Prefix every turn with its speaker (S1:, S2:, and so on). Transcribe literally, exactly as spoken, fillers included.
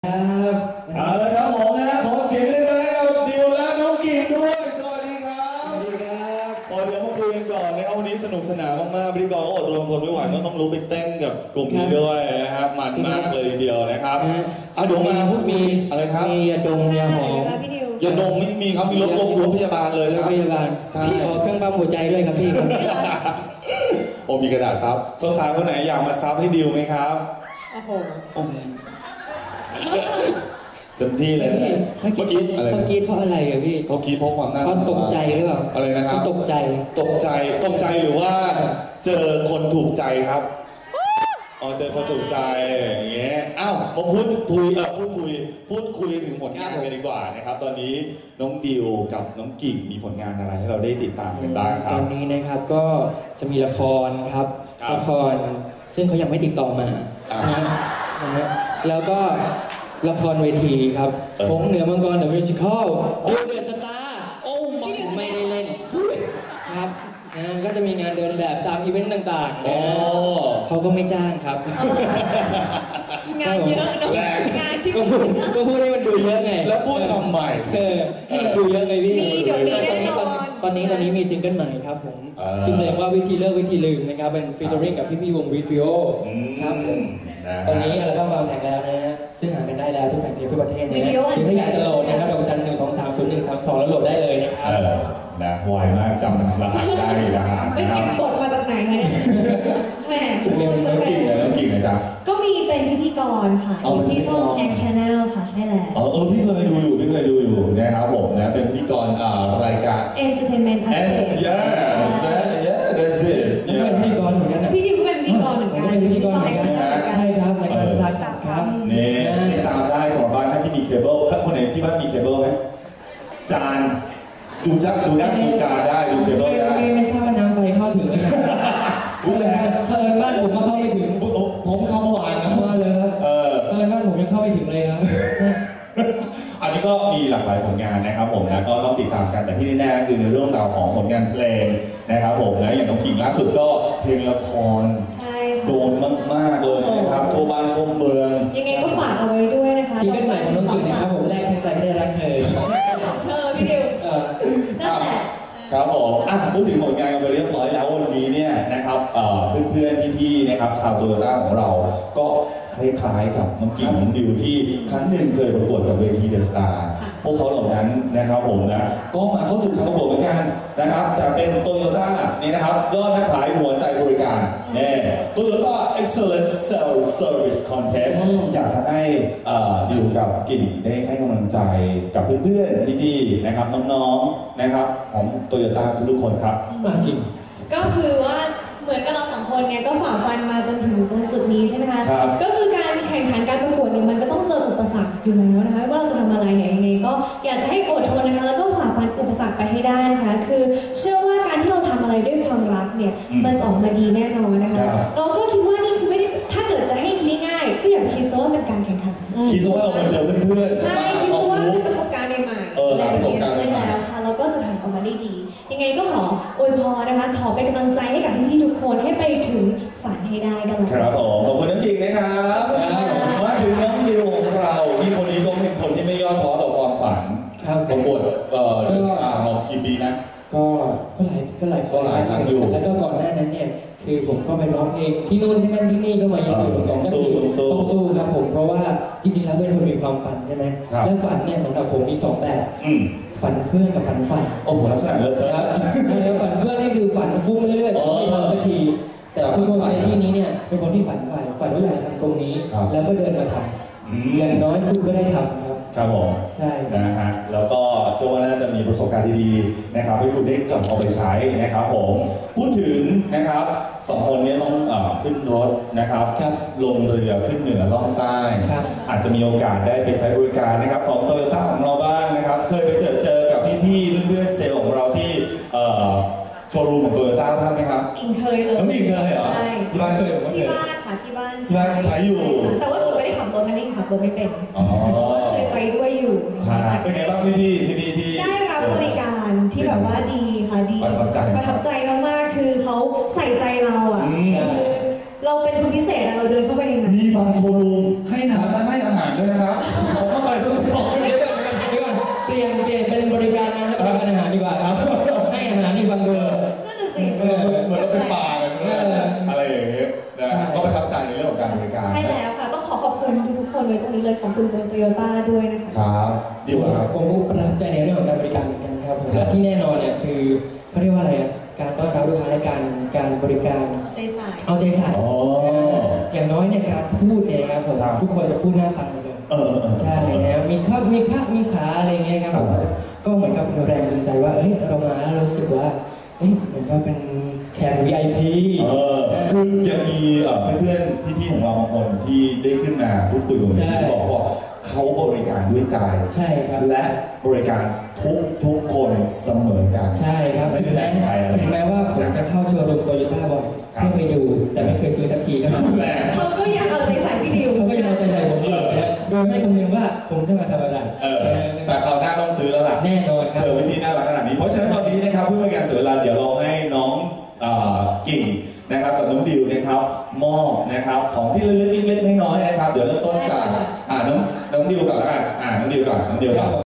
S1: ครับเอาละครับผมนะขอเสียงด้วยนะกับดิวและน้องกิ่งด้วยสวัสดีครับสวัสดีครับตอนเดี๋ยวมาคุยกันก่อนนะครับวันนี้สนุกสนานมากๆพิธีกรก็อดรนทนไม่ไหวก็ต้องลุกไปเต้นกับกลุ่มนี้ด้วยนะครับมันมากเลยทีเดียวนะครับอ่ะเดี๋ยวมาพูดมีอะไรครับ
S2: มียาดมยาหอม
S1: ยาดมไม่มีครับมีรถลงรถพยาบาลเลย
S2: รถพยาบาลพี่ขอเครื่องปั๊มหัวใจด้วยครับพี่
S1: โอ้มีกระดาษซับสาวๆคนไหนอยากมาซับให้ดิวไหมครับ
S2: โอ้โห
S1: เต็มที่เลยเมื่อกี้อะไร
S2: เขาคิดเพราะอะไรอะพี่
S1: เขาคิดเพราะความน่า
S2: เขาตกใจหรือเปล่า
S1: อะไรนะครับ
S2: ตกใจ
S1: ตกใจตกใจหรือว่าเจอคนถูกใจครับอ๋อเจอคนถูกใจอย่างเงี้ยอ้าวมาพูดคุยเออพูดคุยพูดคุยถึงผลงานกันดีกว่านะครับตอนนี้น้องดิวกับน้องกิ่งมีผลงานอะไรให้เราได้ติดตามกันบ้างครับ
S2: ตอนนี้นะครับก็จะมีละครครับละครซึ่งเขายังไม่ติดต่อมานะฮะแล้วก็ละครเวทีครับผงเหนือมังกรเดอะมิวสิคอลดิวเดอะสตาร์โอ้ไม่ได้เล่นครับนะก็จะมีงานเดินแบบตามอีเวนต์ต่างๆนะเขาก็ไม่จ้างครับ
S3: งานเยอะเนาะงานที่
S2: ก็พูดให้มันดูเยอะไง
S1: แล้วพูดทำไม
S2: เออให้มันดูเยอะไงพี่
S3: มีเดี๋ยวนี้แน่นอน
S2: ตอนนี้ตอนนี้มีซิงเกิลใหม่ครับผมชื่อเพลงว่าวิธีเลิกวิธีลืมนะครับเป็นฟีเจอริ่งกับพี่ๆวงวิทริโอครับผมตอนนี้อัลบั้มวางแผงแล้วนะฮะซึ่งหากันได้แล้วทุกแผ่นดินทั่วประเทศนะคือถ้าอยากจะโหลดนะครับดอกจันหนึ่งสองสามศูนย์หนึ่งสามสองแล้วโหลดได้เลยนะครับ
S1: นะไวมากจำรหัสได้รหัส
S3: ไม่เก็บกดมาจากไหนคะเนี่ยแหม
S1: เรื่องน้ำกิ่งเลยน้ำกิ่งนะจ๊ะ
S3: ก็มีเป็นพิธีกรค่ะอยู่ที่ช่อง Next Channel ค่ะใช่แล้ว
S1: เออเออพี่เคยดูอยู่พี่เคยดูอยู่นะครับผมนะเป็นพิธีกรรายการ
S3: Entertainment Update
S1: yes that's it
S2: นี่เป็นพิธีกรเหมือนกันนะ
S3: พี่ดิวก็เป็นพิธีกรเหมือนกันอยู่ที่ช่อง Next Channel
S2: ใช่ครับรายการสตาร์ทครับ
S1: นี่ติดตามได้สำหรับบ้านที่มีเคเบิลถ้าคนไหนที่บ้านมีเคเบิลไหมจานดูจักดูได้ดูจานได้ดูเคเบิลได้
S2: ไม่ทราบว่าน้ำไฟเข้าถึงไหมครับ
S1: รู้แล้ว
S2: เพิ่นบ้านผมมาเข้าไม่ถึง
S1: ผมเข้าเมื่อวานนะ
S2: มาเลยครับ
S1: เออ
S2: เพิ่นบ้านผมยังเข้าไม่ถึงเลยครับ
S1: อันนี้ก็มีหลากหลายผลงานนะครับผมนะก็ต้องติดตามกันแต่ที่แน่ๆคือในเรื่องราวของผลงานเพลงนะครับผมนะอย่างน้องกิ่งล่าสุดก็เพลงละคร
S3: ใช่ค่ะ
S1: โดนมากๆเลยนะครับทั่วบ้านทั่วเมือง
S3: ยังไงก็ฝากเอาไว้ด้วยนะคะ
S2: ซิงเกิลใหม่ของน้องกิ่งนะครับผมแรกทั้งใจไม่ได้รักเธอ
S3: เธอพี่ดิวนั่นแหละ
S1: ครับผมอ่ะพูดถึงผลงานกันไปเรียบร้อยแล้ววันนี้เนี่ยนะครับเพื่อนๆพี่ๆนะครับชาวโตโยต้าของเราก็คล้ายๆกับน้องกิ่งน้องดิวที่ครั้งหนึ่งเคยประกวดกับเวทีเดอะสตาร์พวกเขาเหล่านั้นนะครับผมนะก็มาเข้าสู่การประกวดเหมือนกันนะครับแต่เป็นโตโยต้านี่นะครับยอดนักขายหัวใจบริการเนี่ยโตโยต้า Excellent Sales Service Contest อยากจะให้ดิวกับกิ่งได้ให้กำลังใจกับเพื่อนๆพี่ๆนะครับน้องๆนะครับของโตโยต้าทุกๆคนครับ
S2: กิ่ง
S3: ก็คือว่าเหมือนกับเราสองคนเนี่ยก็ฝ่าฟันมาจนถึงตรงจุดนี้ใช่ไหมคะก็คือการแข่งขันการประกวดเนี่ยมันก็ต้องเจออุปสรรคอยู่แล้วนะคะว่าเราจะทำอะไรเนี่ยยังไงก็อยากจะให้อดทนนะคะแล้วก็ฝ่าฟันอุปสรรคไปให้ได้นะคะคือเชื่อว่าการที่เราทำอะไรด้วยความรักเนี่ยมันจะออกมาดีแน่นอนนะคะเราก็คิดว่านี่คือไม่ได้ถ้าเกิดจะให้คิดง่ายๆก็อย่าคิดซะว่าเป็นการแข่งขัน
S1: คิดซะว่าเรามาเจอเพื่อน
S3: ๆใช่คิดซะว่าเป็นประสบการณ์ใหม่ๆและประสบการณ์ใช่แล้วค่ะเราก็จะทำออกมาได้ดียังไงก็ขออวยพรนะคะขอเป็นกำลังใจให้กับพี่ๆทุกคนให้ไปถึงฝันให้ได้กันเลย
S1: ครับผมขอบคุณน้องกิ่งนะครับมาถึงน้องดิวของเราที่คนนี้ก็เป็นคนที่ไม่ย่อท้อต่อความฝันประกวดเอ่อที่อ่างมากี่ปีนะ
S2: ก็ก็หลายก็หลาย
S1: ก็หลายครั้งอยู่
S2: แล้วก็ก่อนหน้านั้นเนี่ยคือผมก็ไปร้องเพลงที่นู่นที่นั่นที่นี่ก็มาเยอะอยู่
S1: ต้องสู้
S2: ต้องสู้ครับผมเพราะว่าจริงๆแล้วเป็นคนมีความฝันใช่ไหมและฝันเนี่ยสำหรับผมมีสองแบบฝันเฟื่องกับฝันใฝ่
S1: โอ้โหลักษณะเลิศเทอะ
S2: แล้วฝันเฟื่องนี่คือฝันฟุ้งเรื่อยๆแต่ไม่ทำสักทีแต่ทุกคนในที่นี้เนี่ยเป็นคนที่ฝันใฝ่ฝันว่าอยากทำตรงนี้แล้วก็เดินมาทำอย่างน้อยคุณก็ได้ทำครับ
S1: ครับผม
S2: ใช่
S1: นะฮะแล้วก็เชื่อว่าน่าจะมีประสบการณ์ดีๆนะครับให้คุณได้กลับเอาไปใช้นะครับผมพูดถึงนะครับสองคนนี้ต้องขึ้นรถนะครับลงเรือขึ้นเหนือล่องใต้อาจจะมีโอกาสได้ไปใช้บริการนะครับของโตโยต้าของเราบ้างนะครับเคยไปเจอเจอกับพี่ๆเพื่อนๆเซลล์ของเราที่โชว์รูมของโตโยต้าท่านไหมครับ
S3: กิ่งเคยเลย
S1: น้องกิ่งเคยเหรอ
S3: ใช่
S1: ที่บ้านเคย
S3: ที่บ้านค่ะที่บ้าน
S1: ที่บ้านใช้อยู่
S3: แต่ว่ากิ่งไม่ได้ขับรถนั่นเองขับรถไม่เป็นก็เคยไปด้วยอยู่
S1: เป็นไงบ้างพี่พี่พี่ที่
S3: ได้รับบริการที่แบบว่าดีค่ะดีประทับใจมากๆคือเขาใส่ใจเราอ่ะเราเป็นคนพิเศษเราเดินเข้าไปในนั้น
S1: มีบางโชว์รูมให้น้ำและให้อาหารด้วยนะครับผมเข้าไปทุกคน
S2: เดี๋ยวก่อนเดี๋ยวก่อนเปลี่ยนเปลี่ยนเป็นบริการนะครับบริการอาหารดีกว่าครับให้อาหารที่ฟังดู
S3: นั่นน่ะสิ
S1: เหมือนเหมือนเราเป็นป่ากันอะไรอย่างเงี้ยนะก็ประทับใจในเรื่องของการบริการ
S3: ใช่แล้วค่ะ ต้องขอขอบคุณทุกๆคนไว้ตรงนี้เลยขอบคุณโตโยต้าด้วยนะคะ
S1: ครับดีกว่าครับ
S2: ผมก็ประทับใจในเรื่องของการบริการเหมือนกันครับผมและที่แน่นอนเนี่ยคือเขาเรียกว่าอะไรอะการต้อนรับลูกค้าและการการบริการ
S3: เอาใจใส่
S2: เอาใจใส่
S1: อ๋อ
S2: อย่างน้อยเนี่ยการพูดเนี่ยครับผม
S1: ครับ
S2: ทุกคนจะพูดหน้าฟังหมดเลย
S1: เออเออเออ
S2: ใช่นะมีข้ามีข้ามีขาอะไรเงี้ยครับผม
S1: ครับ
S2: ก็เหมือนกับเป็นแรงจูงใจว่าเฮ้ยเรามาแล้วรู้สึกว่าเฮ้ยเหมือนกับเป็นแขก วี ไอ พี
S1: เออคือยังมีเอ่อเพื่อนๆพี่ๆของเราบางคนที่ได้ขึ้นมาพูดคุยกับผมที่บอกว่าเขาบริการด้วยใจ
S2: ใช่ครับ
S1: และบริการทุกทุกคนเสมอกัน
S2: ใช่ครับ
S1: ไม่
S2: ถึง
S1: แบ่
S2: แม้
S1: งใครอะไร
S2: ถึงแม้ว่าผมจะเข้าโชว์รูมโตโยต้าบ่อย
S1: ครับ
S2: เพื่อไปดูแต่ไม่เคยซื้อสักทีก็ตาม
S1: แหละ
S3: เขาก็ยังเอาใจใส่พี่ดิว
S2: เขาก็ยังเอาใจใส่ผมอยู่นะโดยไม่คำนึงว่าผมจะมาทำอะไร
S1: เออแต่คราวหน้าต้องซื้อแล้วล่ะ
S2: แน่นอนครั
S1: เจ
S2: บ
S1: อวิธีน่ารักขนาดนี้ เพราะฉะนั้นตอนนี้นะครับเพื่อเป็นการเสียเวลาเดี๋ยวเราให้น้องเอ่อกิ่งนะครับกับน้องดิวนะครับมอบนะครับของที่เล็กๆเล็กๆน้อยๆนะครับเดี๋ยวเริ่มต้นจากอ่าน้องน้องดิวก่อนแล้วกันอ่าน้องดิวก่อนน้องดิวก่อน